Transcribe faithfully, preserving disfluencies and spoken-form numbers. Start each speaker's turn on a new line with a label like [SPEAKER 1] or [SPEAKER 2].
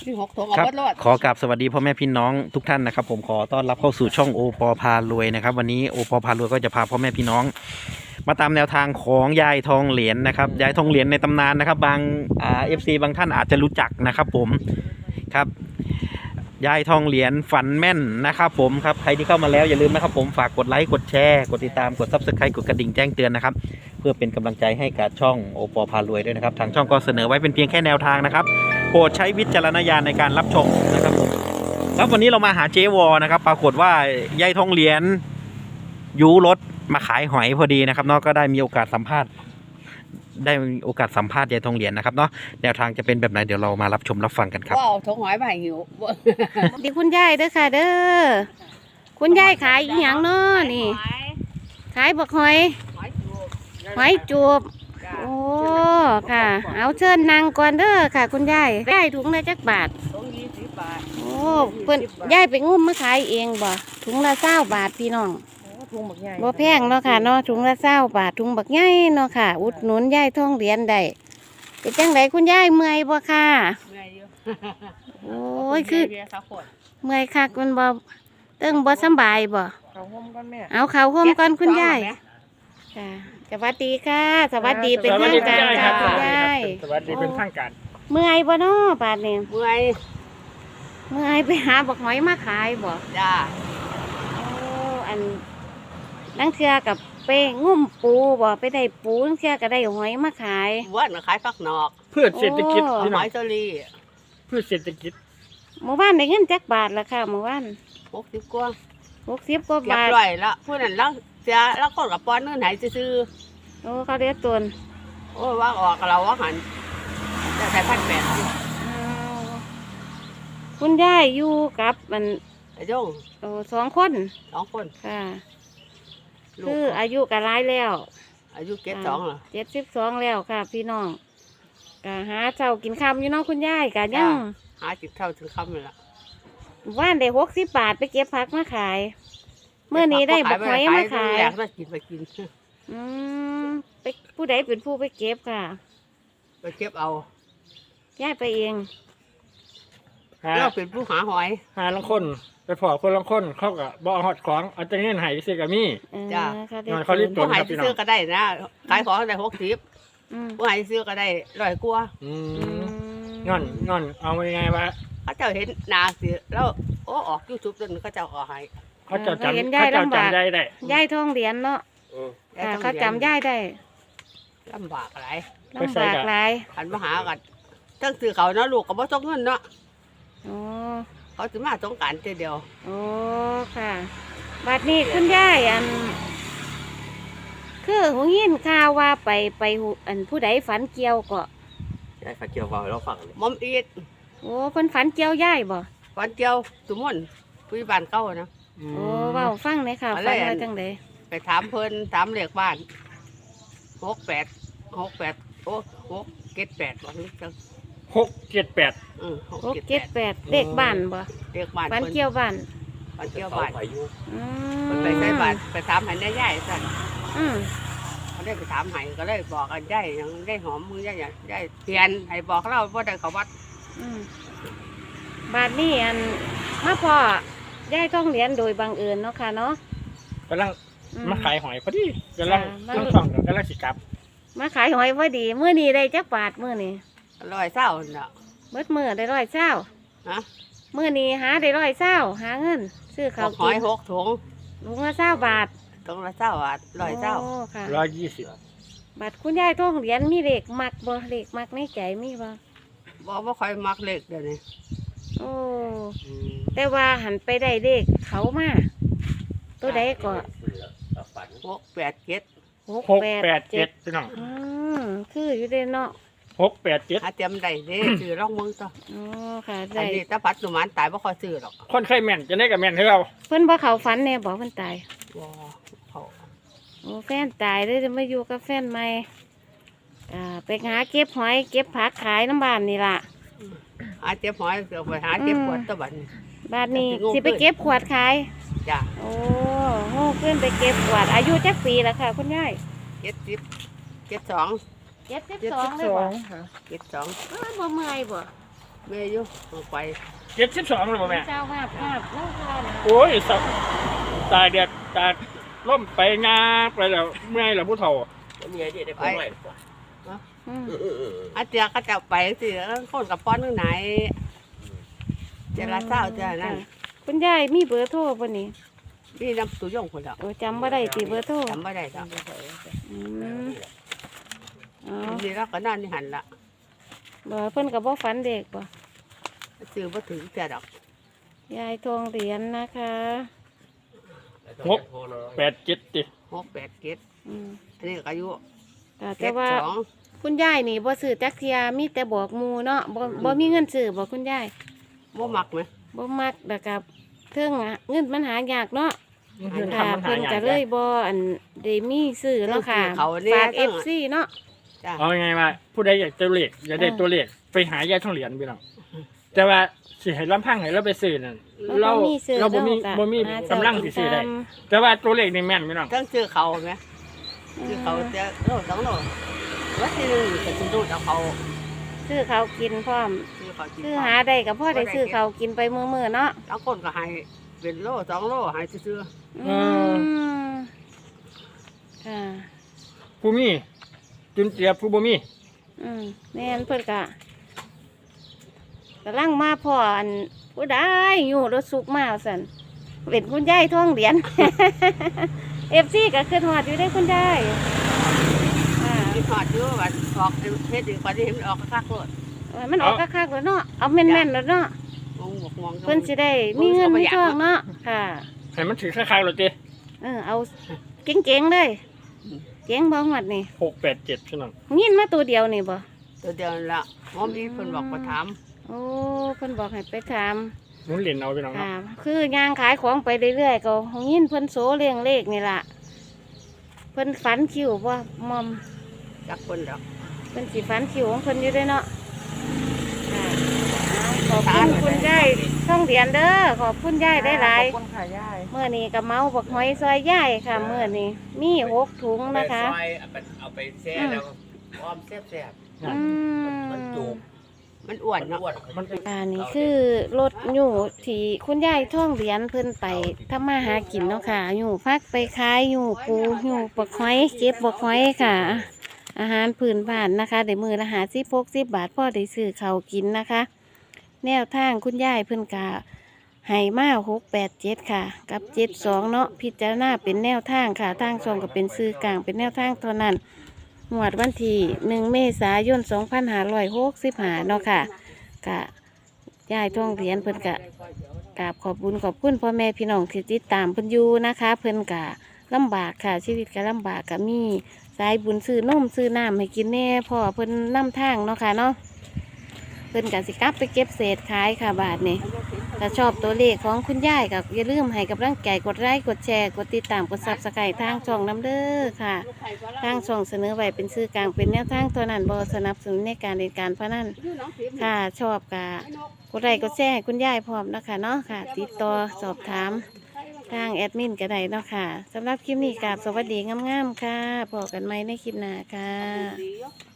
[SPEAKER 1] มีหกถุงเอา
[SPEAKER 2] ครับ
[SPEAKER 1] เบิดรอด
[SPEAKER 2] ขอกราบสวัสดีพ่อแม่พี่น้องทุกท่านนะครับผมขอต้อนรับเข้าสู่ช่องโอปอพารวยนะครับวันนี้โอปอพารวยก็จะพาพ่อแม่พี่น้อง มาตามแนวทางของยายทองเหรียญนะครับยายทองเหรียญในตำนานนะครับบางอ่าเอฟซีบางท่านอาจจะรู้จักนะครับผมครับยายทองเหรียญฝันแม่นนะครับผมครับใครที่เข้ามาแล้วอย่าลืมนะครับผมฝากกดไลค์กดแชร์กดติดตามกดซับสไครต์กดกระดิ่งแจ้งเตือนนะครับเพื่อเป็นกำลังใจให้กับช่องโอปอพารวยด้วยนะครับทางช่องก็เสนอไว้เป็นเพียงแค่แนวทางนะครับโปรดใช้วิจารณญาณในการรับชมนะครับผมครับวันนี้เรามาหาเจวอนะครับปรากฏว่ายายทองเหรียญยูรถมาขายหอยพอดีนะครับเนาะก็ได้มีโอกาสสัมภาษณ์ได้มีโอกาสสัมภาษณ์ยายทองเหรียญนะครับเนาะแนวทางจะเป็นแบบไหนเดี๋ยวเรามารับชมรับฟังกันครับ
[SPEAKER 1] ว่าเอาถุงหอยมาให้หิว
[SPEAKER 3] ดีคุณยายเด้อค่ะเด้อคุณยายขายอีหยังเนาะนี่ ขายบักหอย
[SPEAKER 1] หอยจูบ
[SPEAKER 3] หอยจูบโอ้ค่ะ เอาเชิญนั่งก่อนเด้อค่ะ คุณยายได้ถุงละจักบาท
[SPEAKER 1] ถุงยี่สิบบาท
[SPEAKER 3] โอ้เพิ่นยายไปงุ้มมาขายเองบ่ถุงละเศร้าบาทพี่น้อง
[SPEAKER 1] ถุงบักใหญ่
[SPEAKER 3] บ่แพงเนาะค่ะเนาะถุงละเศร้าบาทถุงบักใหญ่เนาะค่ะ อุดหนุนยายทองเหรียญได้เป็นจังไดคุณยายเมื่อยบ่ค่ะ
[SPEAKER 1] เมื่อยอยู่
[SPEAKER 3] โอ้ยคือ
[SPEAKER 1] เบียร์สักขวด
[SPEAKER 3] เมื่อยคักมันบ่เติ้งบ่สำบายบ่
[SPEAKER 1] เขาห่มกันแม่
[SPEAKER 3] เอาเขาวห่มก่อนคุณยาย
[SPEAKER 1] เก็บ
[SPEAKER 3] ค่ะสวัสดีค่ะ สวัสดีเป็นทางการค่ะคุณยาย
[SPEAKER 4] สวัสดีเป็นทางการ
[SPEAKER 3] เมื่อยบ่เนาะบาดนี้
[SPEAKER 1] เมื่อย
[SPEAKER 3] เมื่อยไปหาบักหอยมาขายบ่
[SPEAKER 1] จ้า
[SPEAKER 3] โอ้อันนังเทือกับไปงุ่มปูบ่ไปได้ปูนังเทือก็ได้หอยมาขาย
[SPEAKER 1] ว่านขายฟักนอก
[SPEAKER 4] เพื่อเศรษฐกิจ
[SPEAKER 3] โอ้
[SPEAKER 4] พี่
[SPEAKER 1] ห
[SPEAKER 4] น้อ
[SPEAKER 1] อง ยเซอรี่
[SPEAKER 4] เพื่อเศรษฐกิจ
[SPEAKER 3] เมื่อวานได้เงินจักบาทละค่ะเมื่อวาน
[SPEAKER 1] หกสิบกว่า
[SPEAKER 3] หกสิบกว่า
[SPEAKER 1] เก็บบ
[SPEAKER 3] าท
[SPEAKER 1] ร้อยละผู้นั้นแล้วเสียแล้วคนกับปอนเงื่อนไหนซื้อ
[SPEAKER 3] โอ้เขาเรียกตน
[SPEAKER 1] ๆโอ้ยว่าออกเราว่าหันจะใส่พันแปด
[SPEAKER 3] อ้าวคุณยายอยู่กับมัน
[SPEAKER 1] ไอ้โยง
[SPEAKER 3] โอ้สองคน
[SPEAKER 1] สองคน
[SPEAKER 3] ค่ะ
[SPEAKER 1] ลู
[SPEAKER 3] คือก อายุก็หลายแล้ว
[SPEAKER 1] อายุเก็บสองเหรอ
[SPEAKER 3] เจ็ดสิบสองแล้วค่ะ พี่น้องกะหาเจ้ากินคำอยู่เน้องคุณยายกะยัง
[SPEAKER 1] หาจิตเท่าถึงคำเลยล่ะ
[SPEAKER 3] ว่านได้หกสิบบาทไปเก็บผักมาขายเมื่อนี้ได้บักหอยมาขาย
[SPEAKER 1] อยากได้กินไปกิน
[SPEAKER 3] อืมไปผู้ใดเป็นผู้ไปเก็บค่ะ
[SPEAKER 1] ไปเก็บเอา
[SPEAKER 3] ย้ายไปเอง
[SPEAKER 4] หา
[SPEAKER 1] เราเป็นผู้หาหอย
[SPEAKER 4] หาลังคน ไปพอคนลังคนเขาก็บ่เอาฮอดของเอาแต่เงินให้ซื้อกับมี
[SPEAKER 3] เออ
[SPEAKER 1] จ้ะ
[SPEAKER 3] ค่ะ
[SPEAKER 4] หน่อยเขารีบ
[SPEAKER 1] ผู้หาย
[SPEAKER 4] ครับพี่น้อง
[SPEAKER 1] ซื้อก็ได้นะขายของได้หกสิบ
[SPEAKER 3] อืม
[SPEAKER 1] ผู้หายซื้อก็ได้ร้อยกว่า
[SPEAKER 4] อื
[SPEAKER 3] อื
[SPEAKER 4] ม
[SPEAKER 3] ม
[SPEAKER 4] งอนงอนเอาไงวะ
[SPEAKER 1] เขาเจ้าเห็นหนาสิแล้วโอ้ออกยูทูบจนเขาเจ้าก็ให้
[SPEAKER 4] เขาเจะจำเขาเจะจำได้ได้
[SPEAKER 3] ย้ายทองเหรียญเนาะค่ะเขาจำย้ายได้
[SPEAKER 1] ลำบากอะไร
[SPEAKER 3] ลำบากหลาย
[SPEAKER 1] หันมาหากันทั้งซื้อเขาเนาะลูกก็บ่ต้องเงินเนาะ
[SPEAKER 3] โอ้
[SPEAKER 1] เขาสิมาสงกรารเดียว
[SPEAKER 3] โอ้ค่ะบัดนี้คุณยายอัน คือหูยินข่าวว่าไปไปหูอันผู้ใดฝันเกี่ยวก็
[SPEAKER 5] ใช่ค่ะเกี่ยวกับเราฟังเลย
[SPEAKER 1] มอมอีด
[SPEAKER 3] โอ้เพิ่นฝันเกี่ยวย่ายบ่
[SPEAKER 1] วันเดียวสมมุนคุยบ้านเก่านะ
[SPEAKER 4] อื
[SPEAKER 3] โอ้
[SPEAKER 4] ม
[SPEAKER 3] เว้าฟังเลยค่ะ
[SPEAKER 1] อะไร
[SPEAKER 3] ฝัน
[SPEAKER 1] อั
[SPEAKER 3] ว่าน จังได
[SPEAKER 1] ไปถามเพิ่นถามเลขบ้านหกแปดหกแปดโอ้หกเจ็ดแปดวันนี้จัง
[SPEAKER 4] หกเจ็ดแปด
[SPEAKER 1] อือหก
[SPEAKER 3] หก
[SPEAKER 1] เจ็ด
[SPEAKER 3] เจ็ด
[SPEAKER 1] แปด
[SPEAKER 3] แปดเลขบ้านบ่
[SPEAKER 1] เลขบ้าน
[SPEAKER 3] ฝัน
[SPEAKER 1] เพิ่น
[SPEAKER 3] เกี่ยวบ้าน
[SPEAKER 1] วันเดียว
[SPEAKER 5] เขา
[SPEAKER 1] บ้าน
[SPEAKER 5] อายุ
[SPEAKER 3] อื
[SPEAKER 1] เพิ่น
[SPEAKER 3] ม
[SPEAKER 1] ไปใช้บ้านไปถามให้ได้ย่ายสั่น
[SPEAKER 3] อืม
[SPEAKER 1] เขาได้ไปถามให้ก็เลยบอกกันย่ายยังได้หอมมือย่ายย่ายเปลี่ยนให้บอกเราว่าได้เขาวัด
[SPEAKER 3] อืมบาดนี้อันมาพ่อยายต้องเรียนโดยบังเอิญเนาะค่ะเนาะ
[SPEAKER 4] กำลัง
[SPEAKER 3] อื
[SPEAKER 4] มาขายหอยพอดีกำลัง
[SPEAKER 3] จ้ะ
[SPEAKER 4] ต้องส่องกำลังสิกลับ
[SPEAKER 3] มาขายหอยพอดีมื้อนี้ได้จักบาทมื้อนี้
[SPEAKER 1] ร้อยเศร้าเนาะ
[SPEAKER 3] เบิดมื้อได้ร้อยเช้า
[SPEAKER 1] ฮะ
[SPEAKER 3] มื้อนี้หาได้ร้อยเช้าหาเงิน ซื้อ
[SPEAKER 1] ห
[SPEAKER 3] ข้าว
[SPEAKER 1] ห
[SPEAKER 3] กิ
[SPEAKER 1] อย
[SPEAKER 3] น
[SPEAKER 1] หกถุง
[SPEAKER 3] ลุงละเช้าบาท
[SPEAKER 1] ถุงละเศร้าบาทร้อยเศร้า
[SPEAKER 3] โอ้ค่ะ
[SPEAKER 4] ร้อยยี่สิบ
[SPEAKER 3] บัตรคุณยายต้องเหรียญมีเลขมักบ่เลขมักในใจมีบ่
[SPEAKER 1] บอกว่าคอยมักเลขเดี๋ยวนี้
[SPEAKER 3] โอ้แต่ว่าหันไปได้เลขเขามาตัวใดก็
[SPEAKER 5] ฝัน
[SPEAKER 1] หกแปดเจ็ด
[SPEAKER 3] หก
[SPEAKER 4] หก
[SPEAKER 3] แป
[SPEAKER 4] แป
[SPEAKER 3] ด
[SPEAKER 4] ด
[SPEAKER 3] เจ็
[SPEAKER 4] เจ็
[SPEAKER 3] ด
[SPEAKER 4] ดพี่น้อง
[SPEAKER 3] อืมคืออยู่เด้เนาะ
[SPEAKER 4] หกแปดเจ็ด
[SPEAKER 1] หาเตรียมได้เด้ ซื้อร่องมึงต่อ
[SPEAKER 3] อ๋อค่ะ
[SPEAKER 1] อั
[SPEAKER 3] ได้
[SPEAKER 1] นนี้ถ้าพัดสุมานตายบ่ค่อยซื้อหรอก
[SPEAKER 4] คนเคยแม่นจะได้กับแม่นให้เรา
[SPEAKER 3] เพิ่นบ่เข้าฝันแน่บ่เพิ่นตาย
[SPEAKER 1] ว้าเขา
[SPEAKER 3] โอ้แฟนตายเลยจะมาอยู่กับแฟนใหม่อ่าไปหาเก็บหอยเก็บผักขายน้ำบ้านนี่ล่ะ
[SPEAKER 1] หาเจ็บหอยเสือไปหาเจ็บปวดตะบัดน
[SPEAKER 3] บ้านนี้
[SPEAKER 1] สิ
[SPEAKER 3] สิ
[SPEAKER 1] โง่
[SPEAKER 3] ไป
[SPEAKER 1] ขึ้น
[SPEAKER 3] เก็บขวดขาย
[SPEAKER 1] จ้ะ
[SPEAKER 3] โอ้โหขึ้นไปเก็บขวดอายุจักปีแล้วค่ะ คุณยาย
[SPEAKER 1] เจ็ดสิบเจ็ดสอง
[SPEAKER 3] เจ็ดสิบสองเลยบ่
[SPEAKER 1] เจ็ดสอง
[SPEAKER 3] อ้าวบ่เมื่อยบ่
[SPEAKER 1] แม่อยู่เอาไป
[SPEAKER 4] เจ็ดสิบสองเลยบ่แม่
[SPEAKER 3] เจ้าภาพภาพน้องค่ะนะ
[SPEAKER 4] โอ้ยสับตายแดดตาล่มไปงาไปแล้วเมื่อยแล้วผู้เฒ่า
[SPEAKER 5] แล้วมีไอเดียได้พอหน่อยกว่า
[SPEAKER 3] อืม
[SPEAKER 5] เออเออเออ
[SPEAKER 1] อาเจียก็จะไปสิแล้วคนกับป้อนนึงไหนเจรจาเจ้านั่น
[SPEAKER 3] คุณยายมีเบอร์โทรบ่นี่
[SPEAKER 1] นี่น้ำตุยงคนละ
[SPEAKER 3] โอ้จำบ่ได้ติเบอร์โทร
[SPEAKER 1] จำไม่ได้จ้ะ
[SPEAKER 3] อืมอ๋อ
[SPEAKER 1] นี่เราก็นั่นนี่หันละ
[SPEAKER 3] บ่เพิ่นก็บ่ฝันเด็กบ่
[SPEAKER 1] ซื้อมาถึงเจ้าดอก
[SPEAKER 3] ยายทองเหรียญนะคะ
[SPEAKER 5] งบ
[SPEAKER 4] แปดเจ็ดติ
[SPEAKER 1] หกแปดเจ็ด
[SPEAKER 3] อืม
[SPEAKER 1] อันนี้ก็อายุ
[SPEAKER 3] ค่ะ
[SPEAKER 1] เจ็
[SPEAKER 3] แต่
[SPEAKER 1] ด
[SPEAKER 3] ว่า
[SPEAKER 1] สอง
[SPEAKER 3] คุณยายนี่บ่ซื้อจักเทียมีแต่บอกหมู่เนาะบ่บ่มีเงินซื้อบ่คุณยาย
[SPEAKER 1] บ่มักไหม
[SPEAKER 3] บ่มักแล้วก็เทิงอะเงินมันหายากเนาะ
[SPEAKER 4] เพิ่น
[SPEAKER 3] ค่ะ
[SPEAKER 4] ทำมันหา
[SPEAKER 3] เพิ่น
[SPEAKER 4] ยาก
[SPEAKER 3] ก็เลยบ่อันได้มีซื้อเนาะค่ะฝาก เอฟ ซี เนาะ
[SPEAKER 1] จ้ะ
[SPEAKER 4] เอาไงว่าผู้ใดอยากตัวเลขอยากได้ตัวเลขไปหายายทองเหรียญพี่น้องแต่ว่าสิให้ลำพังให้เราไปซื้อนั่นเรา
[SPEAKER 3] บ่มีซื้อ
[SPEAKER 4] เราบ่มี
[SPEAKER 3] เนาะ
[SPEAKER 4] บ่มี
[SPEAKER 3] หาเจ้าก
[SPEAKER 4] ำลังสิซื้อได้
[SPEAKER 3] กินตาม
[SPEAKER 4] แต่ว่าตัวเลขนี่แม่นพี่น้อง
[SPEAKER 1] ทั้งซื้อเขาไหมซื้อเขาเจ้าโลสองโลวัดที่หนึ่งจะซื้อดูดเอาเขา
[SPEAKER 3] ซื้อเขาวกินพร้อม
[SPEAKER 1] ซื้อเขากิน
[SPEAKER 3] ซื้อหาได้ก็พอได้ซื้อเขาวกินไปมื้อๆเนาะ
[SPEAKER 1] แล้วคนก็ให้เป็นโลสองโลให้ซื้อ
[SPEAKER 3] อืมค่ะ
[SPEAKER 4] ผู้มีจุนเจียบผู้บ่มี
[SPEAKER 3] อืมแม่นเพิ่นก็กำลังมาพ่ออันผู้ใดอยู่รถสุกมาสั่นเป็นคุณยายท่องเหรียญ เอฟซีก็คือหอดอยู่ได้คุณยายอ่า
[SPEAKER 1] ๆกินหอดอยู่ว่าออกเฮ็ดดีกว่าที่เห็นมันออกคักๆโลด
[SPEAKER 3] เออมันออกคักๆแล้วเนาะเอาแม่นๆแล้วเนาะ
[SPEAKER 1] มองบกมอง
[SPEAKER 3] เพิ่นสิได้มีเงินมีทองเนาะค่ะ
[SPEAKER 4] ให้มันถือคล้ายๆรถติ
[SPEAKER 3] เออเอาเจ๋งๆเลยเจ๋งบ่หมดนี่
[SPEAKER 4] หกแปดเจ็ดพี่น้อง
[SPEAKER 3] ยินมาตัวเดียวนี่บ่
[SPEAKER 1] ตัวเดียวนั่นละหมอมีเพิ่นบอกมาถาม
[SPEAKER 3] โอ้เพิ่นบอกให้ไปถาม
[SPEAKER 4] หมุนเหรียญเอาพี่น้องเนาะ
[SPEAKER 3] ค่ะคือย่างขายของไปเรื่อยๆก็ยินเพิ่นโสเรียงเลขนี่ล่ะเพิ่นฝันคิวบ่มอม
[SPEAKER 1] จักคนดอก
[SPEAKER 3] เพิ่นสิฝันคิวของเพิ่นอยู่เด้อเนาะค่ะเอาขอบคุณคุณยายท่องเหรียญเด้อขอบคุณยายได้หลาย
[SPEAKER 1] ขอบคุณค่ะยาย
[SPEAKER 3] เมื่อนี้ก็เมาบักหอยซอยยายค่ะเมื่อนี้มีหกถุงนะคะ
[SPEAKER 5] เอาไปซอยเอาไปเอาไปแช่แล้วอ้อมแซ่บ
[SPEAKER 3] อืม
[SPEAKER 5] ๆมันจุก
[SPEAKER 1] มันอ้วน
[SPEAKER 5] มัน
[SPEAKER 1] เนาะ
[SPEAKER 5] อ้วน
[SPEAKER 4] มันเป็น
[SPEAKER 3] อันนี้คือรถอยู่ที่คุณยายท่องเหรียญเพิ่นไปทำมาหากินเนาะค่ะอยู่พักไปขายอยู่ปูอยู่บักหอยเก็บบักหอยค่ะ อาหารพื้นบ้านนะคะได้มือละหาสิบหกสิบบาทพ่อได้ซื้อเขาวกินนะคะ แนวทางคุณยายเพิ่นกะให้มาหกแปดเจ็ดค่ะ กับเจ็ดสองเนาะพิจารณาเป็นแนวทางค่ะทางช่องก็เป็นซื้อกลางเป็นแนวทางเท่านั้นงวดวันที่หนึ่งเมษายนสองพันห้าร้อยหกสิบห้าเนาะค่ะกะยายท่องเหรียญเพิ่นกะกราบขอบบุญขอบคุณพ่อแม่พี่น้องที่ติดตามเพิ่นอยู่นะคะ เพิ่นกะลำบากค่ะชีวิตก็ลำบากกะมีสายบุญซื้อนมซื้อน้ำให้กินแน่พ่อเพิ่นนำทางเนาะค่ะเนาะเพิ่นกะสิกลับไปเก็บเศษขายค่ะบาทนี่ถ้าชอบตัวเลขของคุณยายก็อย่าลืมให้กำลังใจกดไลค์กดแชร์กดติดตามกดซับสไครต์ทางช่องน้ำเด้อค่ะ ทางช่องเสนอไว้เป็นสื่อกลางเป็นแนวทางตัวนั้นบอสนับสนุนในการเรียนการพนันค่ะชอบกะกดไลค์กดแชร์ให้คุณยายพร้อมนะคะเนาะค่ะ ติดต่อสอบถามทางแอดมินก็ได้เนาะค่ะสำหรับคลิปนี้กราบสวัสดีงามๆค่ะพบกันใหม่ในคลิปหน้าค่ะ